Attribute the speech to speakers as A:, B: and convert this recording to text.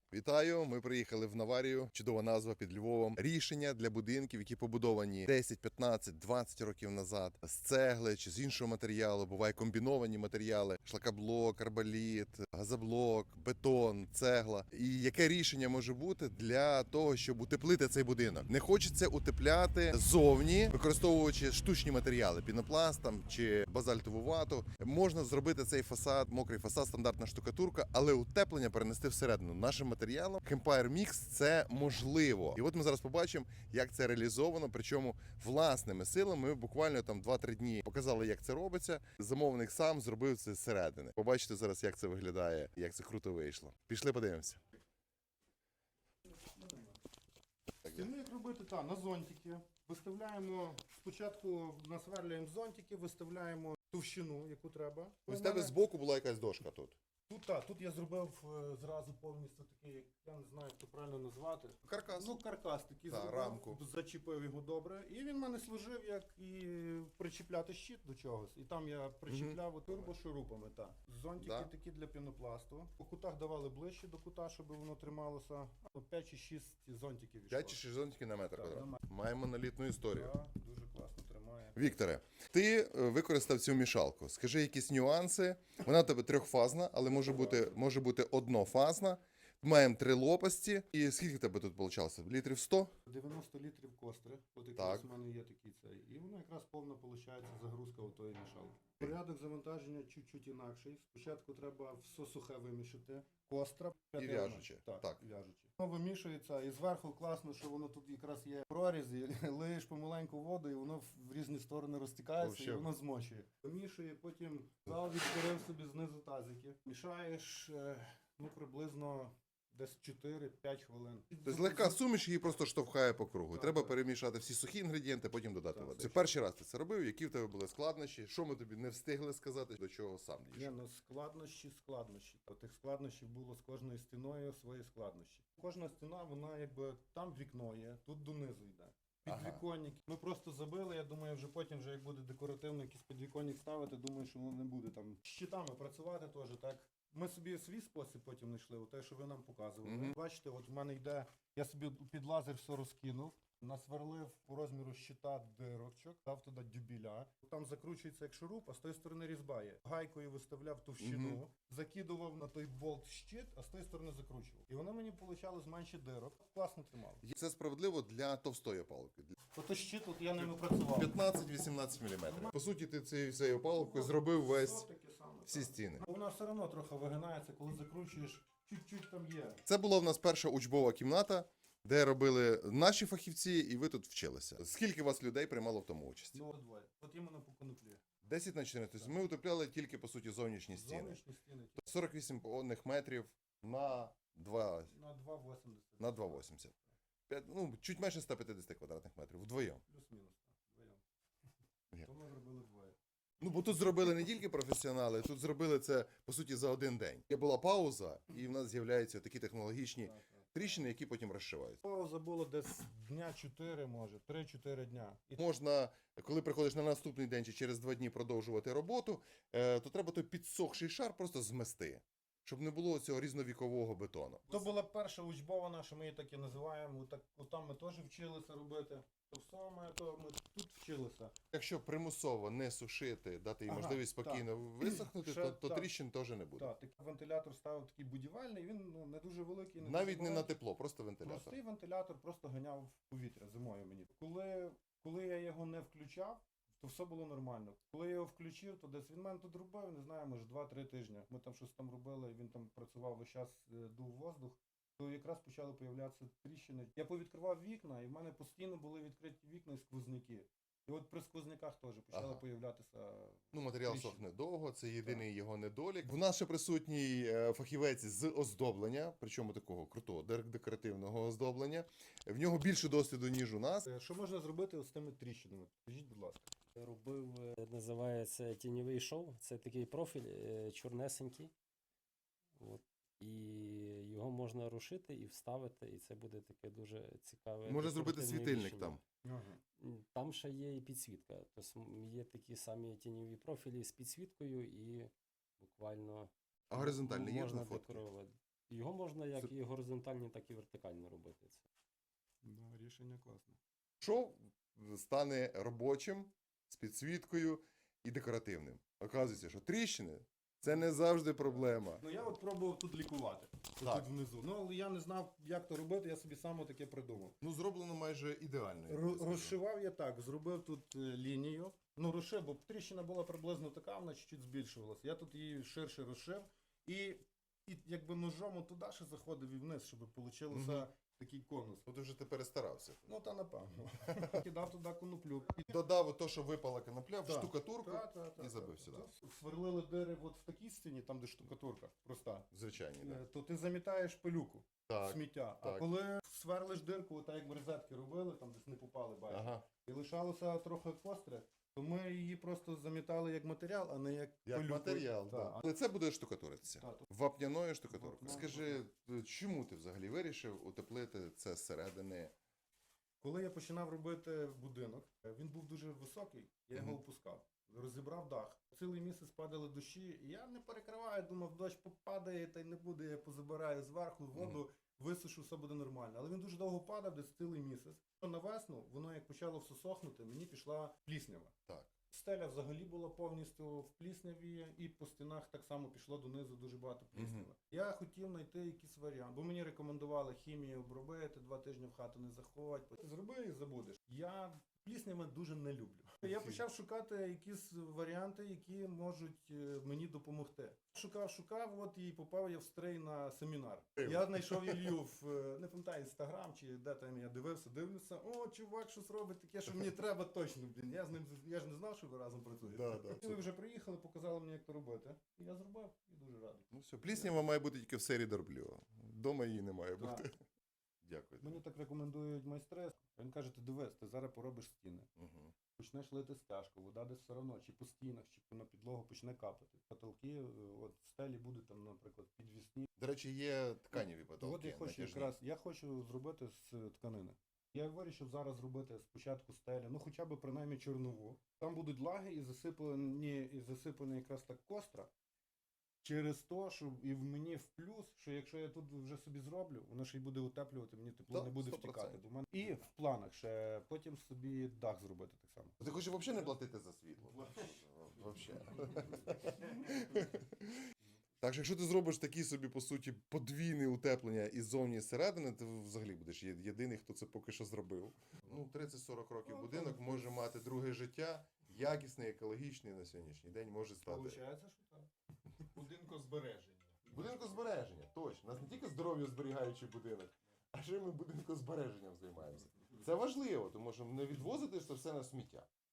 A: Вітаю! Ми приїхали в Наварію. Чудова назва під Львовом. Рішення для будинків, які побудовані 10, 15, 20 років назад з цегли чи з іншого матеріалу. Буває комбіновані матеріали: шлакоблок, арболіт, газоблок, бетон, цегла. І яке рішення може бути для того, щоб утеплити цей будинок? Не хочеться утепляти ззовні, використовуючи штучні матеріали, пінопласт там чи базальтову вату. Можна зробити цей фасад, мокрий фасад, стандартна штукатурка, але утеплення перенести всередину. Нашим матеріалом Campire Mix це можливо. І от ми зараз побачимо, як це реалізовано, причому власними силами. Ми буквально там 2-3 дні показали, як це робиться. Замовник сам зробив це зсередини. Побачите зараз, як це виглядає, як це круто вийшло. Пішли подивимося.
B: Стіни як робити? На зонтики. Виставляємо, спочатку насверлюємо зонтики, виставляємо товщину, яку треба.
A: Ось в тебе збоку була якась дошка тут.
B: Тут я зробив зразу повністю такий, я не знаю, як це правильно назвати.
A: Каркас.
B: Каркас такий зробив,
A: рамку.
B: зачепив його добре. І він в мене служив як і причіпляти щит до чогось. І там я причіпляв турбошурупами. Зонтики такі для пінопласту. По кутах давали ближче до кута, щоб воно трималося. 5 чи 6 зонтиків війшло.
A: 5 чи 6 зонтиків на метр квадратний. Маємо монолітну історію.
B: Дуже класно тримає.
A: Вікторе, ти використав цю мішалку. Скажи якісь нюанси. Вона у тебе трьохфазна, але може бути однофазна. Маємо 3 лопасті. І скільки в тебе тут вийшло? Літрів 100?
B: 90 літрів костри. От якраз у мене є такий цей. І воно якраз повна виходить загрузка у тої мішалки. Порядок завантаження чуть-чуть інакший. Спочатку треба все сухе вимішати. Костра.
A: І в'яжуче.
B: Так, в'яжуче. Воно вимішується і зверху класно, що воно тут якраз є проріз, і лиєш помаленьку воду, і воно в різні сторони розтікається, і воно змочує. Вимішує, потім зал відкрив собі знизу тазики. Мішаєш, приблизно десь 4-5 хвилин.
A: Тобто легка суміш її просто штовхає по кругу. Треба перемішати всі сухі інгредієнти, потім додати воду. Це перший раз ти це робив, які в тебе були складнощі, що ми тобі не встигли сказати, до чого сам дійшов?
B: Складнощі. Тих складнощів було з кожною стіною свої складнощі. Кожна стіна, вона якби, там вікно є, тут донизу йде. Підвіконник. Ми просто забили, я думаю, вже потім, як буде декоративно якийсь підвіконник ставити, думаю, що воно не буде там з щитами працювати теж, так. Ми собі свій спосіб потім знайшли, те, що ви нам показували. Бачите, от в мене йде, я собі під лазер все розкинув, насверлив по розміру щита дирочок, дав туди дюбіля. Там закручується як шуруп, а з тої сторони різьба є. Гайкою виставляв товщину, закидував на той болт щит, а з тої сторони закручував. І воно мені вийшло з менше дирок. Класно тримало.
A: Це справедливо для товстої опалки.
B: Ото щит, от я ними працював.
A: 15-18 мм. По суті, ти цією опалкою зробив всі стіни.
B: Вона все одно трохи вигинається, коли закручуєш, чуть-чуть там є.
A: Це була в нас перша учбова кімната, де робили наші фахівці, і ви тут вчилися. Скільки вас людей приймало в тому участь?
B: Двоє. От іменно по коноплі.
A: 10 на 14. Тобто ми утепляли тільки, по суті, зовнішні стіни.
B: Зовнішні стіни.
A: 48 повних метрів на 2...
B: На 2,80.
A: На 2,80. Чуть менше 150 квадратних метрів. Вдвоєм.
B: Плюс-мінус. Вдвоєм. То ми зробили двоє.
A: Бо тут зробили не тільки професіонали, тут зробили це, по суті, за один день. Є була пауза, і в нас з'являються такі технологічні тріщини, які потім розшиваються.
B: Пауза була десь дня 4, може, 3-4 дня.
A: Можна, коли приходиш на наступний день чи через 2 дні продовжувати роботу, то треба той підсохший шар просто змести, щоб не було цього різновікового бетону.
B: То була перша учбова наша, ми її так і називаємо. Там ми теж вчилися робити. То все ми тут вчилися.
A: Якщо примусово не сушити, дати їй можливість спокійно висохнути, то тріщин теж не буде.
B: Так, вентилятор ставив такий будівельний, він не дуже великий.
A: Навіть не на тепло, просто вентилятор.
B: Простий вентилятор просто ганяв повітря зимою мені. Коли я його не включав, то все було нормально. Коли я його включив, то десь він мене тут робив, не знаю, може 2-3 тижні. Ми там щось там робили, він там працював весь час, дув воздух. То якраз почали появлятися тріщини. Я повідкривав вікна, і в мене постійно були відкриті вікна і сквозняки. І от при сквозняках теж почали появлятися
A: матеріал сохне довго, це єдиний його недолік. В нас ще присутній фахівець з оздоблення, причому такого крутого декоративного оздоблення. В нього більше досвіду, ніж у нас.
B: Що можна зробити з тими тріщинами? Скажіть, будь ласка.
C: Я робив, називається тіньовий шов. Це такий профіль чорнесенький. І його можна рушити і вставити, і це буде таке дуже цікаве.
A: Може зробити світильник там.
C: Там ще є і підсвітка. Тобто є такі самі тіньові профілі з підсвіткою і буквально
A: А горизонтальний є
C: можна
A: на фотки?
C: декорувати. Його можна як
A: Це-
C: і горизонтально, так і вертикально робити. Це.
B: Да, рішення класне.
A: Що стане робочим, з підсвіткою і декоративним? Оказується, що тріщини це не завжди проблема.
B: Ну я от пробував тут лікувати,
A: Так.
B: тут внизу. Ну але я не знав, як то робити, я собі сам таке придумав.
A: Ну, зроблено майже ідеально.
B: Розшивав я так, зробив тут лінію. Ну, розшив, бо тріщина була приблизно така, вона чуть-чуть збільшувалася. Я тут її ширше розшив і якби ножом туди ще заходив і вниз, щоб вийшло
A: Мгм.
B: такий конус.
A: Ну, ти вже ти перестарався.
B: Ну, та напевно. Кидав туди коноплю.
A: Додав то, що випала конопля, в
B: Так.
A: штукатурку
B: Та.
A: і забив сюди.
B: Сверлили дири от в такій стіні, там де штукатурка проста.
A: Звичайні, так.
B: То ти замітаєш пилюку,
A: Так.
B: сміття. А
A: так.
B: коли сверлиш дирку, так як в розетки робили, там десь не попали, бачиш.
A: Ага.
B: І лишалося трохи костри, то ми її просто замітали як матеріал, а не як
A: Як
B: пилюку.
A: матеріал,
B: Так.
A: так. Але це буде штукатуритися.
B: Так.
A: Вапняною штукатуркою.
B: Вапняна
A: Скажи, чому ти взагалі вирішив утеплити це зсередини?
B: Коли я починав робити будинок, він був дуже високий, я його
A: Мгм.
B: опускав. Розібрав дах. Цілий місяць падали дощі, і я не перекриваю, думав, дощ попадає, та й не буде, я позабираю зверху воду, висушу, все буде нормально. Але він дуже довго падав, десь цілий місяць. На весну, воно як почало все сохнути, мені пішла пліснява.
A: Так.
B: Стеля взагалі була повністю в плісняві, і по стінах так само пішло донизу дуже багато плісняви.
A: Мгм.
B: Я хотів знайти якийсь варіант, бо мені рекомендували хімію обробити, 2 тижні в хату не заходь. Зроби і забудеш. Я плісняви дуже не люблю. Я почав шукати якісь варіанти, які можуть мені допомогти. Шукав, от і попав я в стрей на семінар. Я знайшов Ілью в, не пам'ятаю, Інстаграм чи де там я дивлюся, о, чувак, щось робить таке, що мені треба точно, блін. Я ж не знав, що ви разом працюєте. І ви вже приїхали, показали мені, як то робити. І я зробив і дуже радий.
A: Ну все, пліснява має бути тільки в серії Дорбльо. Дома її не має
B: Так.
A: бути. Дякую.
B: Мені так рекомендують майстри. Він каже, ти дивись, ти зараз поробиш стіни.
A: Угу.
B: Почнеш лити стяжку, вода десь все одно, чи по стінах, чи на підлогу почне капати. Потолки, от стелі будуть там, наприклад, підвісні.
A: До речі, є тканеві
B: То
A: потолки.
B: от я хочу
A: натяжні.
B: якраз, я хочу зробити з тканини. Я вирішив зараз зробити спочатку стелі, ну хоча б принаймні чорнову. Там будуть лаги і засипані якраз так костра. Через те, що і в мені в плюс, що якщо я тут вже собі зроблю, воно ще й буде утеплювати, мені тепло
A: Так,
B: не буде
A: 100%.
B: втікати. Бо в мене... І в планах ще потім собі дах зробити так само.
A: Ти хочеш взагалі не платити за світло? Взагалі. Так що якщо ти зробиш такі собі, по суті, подвійне утеплення і ззовні, і зсередини, ти взагалі будеш єдиний, хто це поки що зробив. Ну, 30-40 років
B: Ну,
A: будинок
B: то-
A: може мати друге життя, якісний, екологічний на сьогоднішній день може стати.
B: Получається, що так.
D: Будинкозбереження.
A: Будинкозбереження, точно. У нас не тільки здоров'я зберігаючий будинок, а ще ми будинкозбереженням займаємося. Це важливо, тому що не відвозити це все на сміття.